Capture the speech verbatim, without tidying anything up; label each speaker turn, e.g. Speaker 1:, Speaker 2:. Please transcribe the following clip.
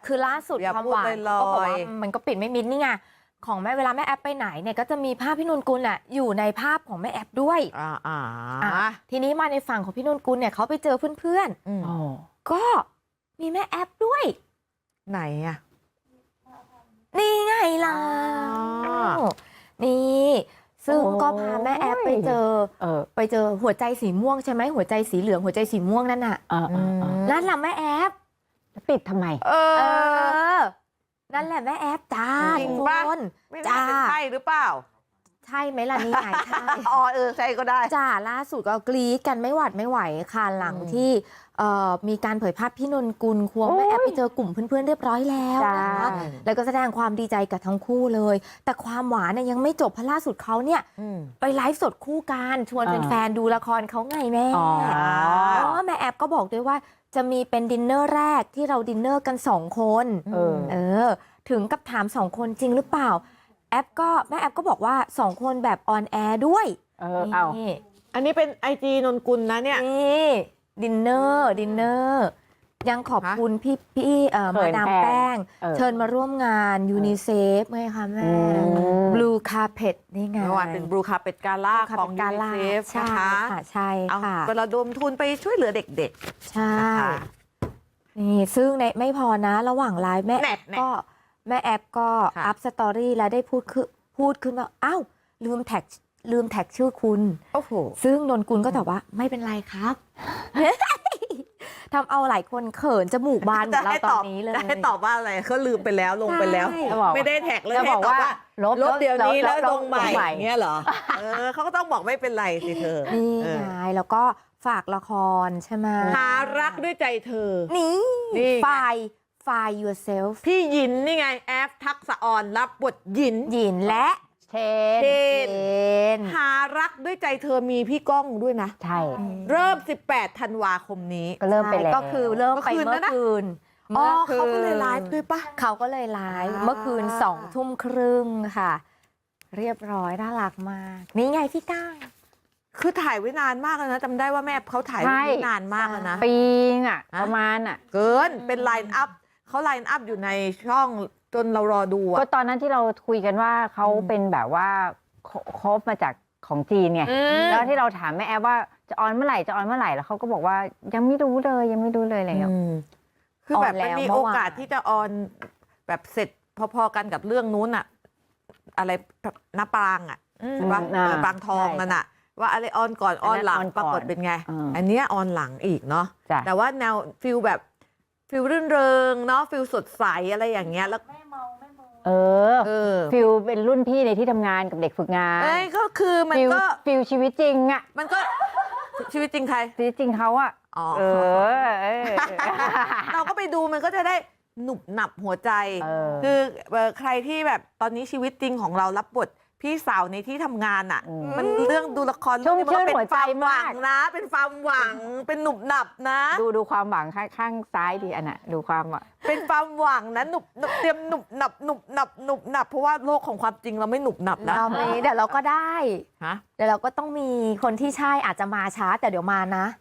Speaker 1: คือล่าสุด
Speaker 2: อย่า
Speaker 1: ความ
Speaker 2: พูด
Speaker 1: หวาน
Speaker 2: ล
Speaker 1: ก็บอก
Speaker 2: อย
Speaker 1: ว่ามันก็ปิดไม่มิดนี่ไงของแม่เวลาแม่แอปไปไหนเนี่ยก็จะมีภาพพี่นนกุลอ่ะอยู่ในภาพของแม่แอปด้วย
Speaker 2: อ่าอ่า
Speaker 1: อ่ะทีนี้มาในฝั่งของพี่นนกุลเนี่ยเขาไปเจอเพื่อน
Speaker 2: อืม
Speaker 1: ๆก็มีแม่แอปด้วย
Speaker 2: ไหนอ่ะ
Speaker 1: นี่ไงล่ะ
Speaker 2: อ๋อ
Speaker 1: นี่ซึ่ง
Speaker 3: โอ้ย
Speaker 1: ก็พาแม่แอปไปเจอ
Speaker 3: เออ
Speaker 1: ไปเจอหัวใจสีม่วงใช่ไหมหัวใจสีเหลืองหัวใจสีม่วงนั่นน่ะ
Speaker 3: เออเออเออ
Speaker 1: นั่นแหละแม่แอป
Speaker 3: แล้วปิดทำไม
Speaker 2: เอ
Speaker 1: เอ
Speaker 2: อ
Speaker 1: อ นั่นแหละแม่แอปจ้า
Speaker 2: จริ
Speaker 1: ทุ
Speaker 2: ง
Speaker 1: ก
Speaker 2: ปะ
Speaker 1: คน
Speaker 2: ไม่น่าเป็น
Speaker 1: จ้า
Speaker 2: ใช่หรือเปล่า
Speaker 1: ใช่ไหมล่ะนี่ไงใช่
Speaker 2: อ๋อเออใช่ก็ได้
Speaker 1: จ้าล่าสุดก็กรี๊ดกันไม่หวัดไม่ไหวค่ะหลัง
Speaker 2: อืม
Speaker 1: ที่เอ่อมีการเผยภาพพี่นนกุลควง
Speaker 3: โอ้ย
Speaker 1: แม่แอปไปเจอกลุ่มเพื่อนๆเรียบร้อยแล้วนะคะ
Speaker 3: จ้า
Speaker 1: แล้วก็แสดงความดีใจกับทั้งคู่เลย แต่ความหวานเนี่ยยังไม่จบเพราะล่าสุดเขาเนี่ย
Speaker 2: อืม
Speaker 1: ไปไลฟ์สดคู่กันชวน
Speaker 3: อ่า
Speaker 1: แฟนๆดูละครเขาไงแม่
Speaker 3: อ๋อ
Speaker 1: เพราะว่าแม่แอปก็บอกด้วยว่าจะมีเป็นดินเนอร์แรกที่เราดินเนอร์กันสองคน
Speaker 3: เออ
Speaker 1: เออ ถึงกับถามสองคนจริงหรือเปล่า แอปก็แม่แอปก็บอกว่าสองคนแบบออนแอร์ด้วย
Speaker 3: เออ เอา
Speaker 1: นี่
Speaker 2: อันนี้เป็นไอจีนนกุลนะเนี่ย
Speaker 1: นี่ดินเนอร์ดินเนอร์ยังขอบคุณพี่พี่เอ่อ
Speaker 3: เขิ
Speaker 1: มาน ดาม
Speaker 3: แป้
Speaker 1: แป้
Speaker 3: ง
Speaker 1: ง
Speaker 3: เออ
Speaker 1: เชิญมาร่วมงานยูนิเซฟไงคะแม่
Speaker 3: อืม
Speaker 1: บลูคาเพ t นี่ไง
Speaker 2: เมื่อวานเป็นบลูคาเป็ดกาล่า
Speaker 1: Blue
Speaker 2: ของ
Speaker 1: Carpet
Speaker 2: ยู
Speaker 1: Gala
Speaker 2: นิเซฟ
Speaker 1: ใช่
Speaker 2: นะคะ
Speaker 1: ค่ะใช่
Speaker 2: เอา
Speaker 1: ค่ะ
Speaker 2: ระดมทุนไปช่วยเหลือเด็ก
Speaker 1: ใช่
Speaker 2: ๆนะคะ
Speaker 1: นี่ซึ่งในไม่พอนะระหว่างไลฟ์แม่
Speaker 2: แน่
Speaker 1: แอป
Speaker 2: แน่
Speaker 1: ก็แม่แอปก็
Speaker 2: ค่ะ
Speaker 1: อัพสตอรี่แล้วได้พูดคือพูดขึ้นว่าอ้าวลืมแท็กลืมแท็กชื่อคุณ
Speaker 2: โอ้โห
Speaker 1: ซึ่งนนกุลก็ตอบว่าไม่เป็นไรครับ ทำเอาหลายคนเขินจมูกบานเหมือนเราตอนนี้เลย
Speaker 2: จะให้ตอบว่าอะไรเขาลืมไปแล้วลงไปแล้ว
Speaker 1: ใช่
Speaker 3: จะบอก
Speaker 2: ไม่ได้แท็กเลย
Speaker 3: จะ
Speaker 2: ให้
Speaker 3: บอก
Speaker 2: ตอบ
Speaker 3: ว่า
Speaker 2: ว่า
Speaker 3: ลบ
Speaker 2: ลบเดี๋ยวนี้แล้ว
Speaker 3: ล
Speaker 2: ล
Speaker 3: บ
Speaker 2: งใหม่
Speaker 3: ลบใหม่
Speaker 2: เงี้ยเหรอ เออเขาก็ต้องบอกไม่เป็นไรสิเธอ
Speaker 1: นี่
Speaker 2: เออ
Speaker 1: ไงแล้วก็ฝากละครใช่ไหม
Speaker 2: หารักด้วยใจเธอ
Speaker 1: นี่
Speaker 2: นี่ไง
Speaker 1: ฝ่ายฝ่าย yourself
Speaker 2: พี่หยินนี่ไงแอฟทักษะออนรับบทหยิน
Speaker 1: หยินและ
Speaker 3: เชน
Speaker 2: เช
Speaker 1: เจน
Speaker 2: หารักด้วยใจเธอมีพี่ก้องด้วยนะ
Speaker 3: ใช่
Speaker 2: เริ่ม สิบแปด ธันวาคมนี้
Speaker 3: ก็เริ่มไปแล้ว
Speaker 1: ก็คือเริ่มไป
Speaker 2: เมื่
Speaker 1: เมื่
Speaker 2: อ
Speaker 1: อ
Speaker 2: คืน
Speaker 1: คืน
Speaker 2: อ๋อ
Speaker 1: มื่
Speaker 2: เขา
Speaker 1: คืน
Speaker 2: ก็เลยไลฟ์ด้วยปะ
Speaker 1: เขาก็เลยไลฟ์
Speaker 2: อ่า
Speaker 1: เมื่อคืนสองทุ่มครึ่งค่ะ เรียบร้อยน่ารักมาก นี่ไงพี่ก้าง
Speaker 2: คือถ่ายไว้นานมากแล้วนะจำได้ว่าแม่เขาถ่ายไว้
Speaker 3: ใช่
Speaker 2: นานมากแล้วนะ
Speaker 3: ปีงอ่ะ
Speaker 2: ฮะ
Speaker 3: ประมาณอ่ะ
Speaker 2: เกินเป็นไลน์อัพเขาไลน์อัพอยู่ในช่องจนเรารอดู
Speaker 3: ก็
Speaker 2: อะ
Speaker 3: ตอนนั้นที่เราคุยกันว่าเขาเป็นแบบว่าคบมาจากของจีนไง
Speaker 2: อืม
Speaker 3: แล้วที่เราถามแม่แอฟว่าจะออนเมื่อไหร่จะออนเมื่อไหร่แล้วเขาก็บอกว่ายังไม่รู้เลยยังไม่รู้เลยอะไรอย่างเงี้ย
Speaker 2: อืมคือแบบมันมี
Speaker 1: ออนแล้วเมื่
Speaker 2: โอ
Speaker 1: อวาน
Speaker 2: กาสที่จะออนแบบเสร็จพอๆกันกับเรื่องนู้นอะอะไรแบบน้าปรางอะใช่ปะ
Speaker 3: อ่า
Speaker 2: เออปรางทอง
Speaker 3: ใช่
Speaker 2: นั่นอะว่าอะไรออนก่อนออนหลัง
Speaker 3: อันนั้นออนก่
Speaker 2: ป
Speaker 3: อน
Speaker 2: รากฏเป็นไง
Speaker 3: อืม
Speaker 2: อันเนี้ยออนหลังอีกเนาะ
Speaker 3: จ้ะ
Speaker 2: แต่ว่าแนวฟิลแบบฟิลรื่นเริงเนาะฟิลสดใสอะไรอย่างเงี้ยแล้ว
Speaker 3: เออ
Speaker 2: เออ
Speaker 3: ฟิลเป็นรุ่นพี่ในที่ทำงานกับเด็กฝึกงาน
Speaker 2: เอ้ยก็คือมัน
Speaker 3: ฟิล
Speaker 2: ก็
Speaker 3: ฟิลชีวิตจริงอ่ะ
Speaker 2: มันก็ชีวิตจริงใคร
Speaker 3: ชีวิตจริงเขาอ่ะ
Speaker 2: อ๋อ
Speaker 3: เออเออ
Speaker 2: เราก็ไปดูมันก็จะได้หนุบหนับหัวใจ
Speaker 3: เออ
Speaker 2: คือเอ่อใครที่แบบตอนนี้ชีวิตจริงของเรารับบทพี่สาวในที่ทำงานอ่ะ
Speaker 3: อืม
Speaker 2: มันเรื่องดูละคร
Speaker 3: ชุ่ม
Speaker 2: เรื่องนี้มันก็
Speaker 3: ชื่นหัวใจ
Speaker 2: เป็นความหวัง
Speaker 3: มาก
Speaker 2: นะ เป็นความหวังเป็นหนุบหนับนะ
Speaker 3: ดูดูความหวังข้างข้างซ้ายดีอันน่ะดูความหวัง
Speaker 2: เป็นความหวังนะหนุบหนุบเตรียมหนุบหนับหนุบหนับหนุบหนับเพราะว่าโลกของความจริงเราไม่หนุบหนับนะ
Speaker 1: เรามีเดี๋ยวเราก็ได้
Speaker 2: ฮะ
Speaker 1: เดี๋ยวเราก็ต้องมีคนที่ใช่อาจจะมาช้าแต่เดี๋ยวมานะ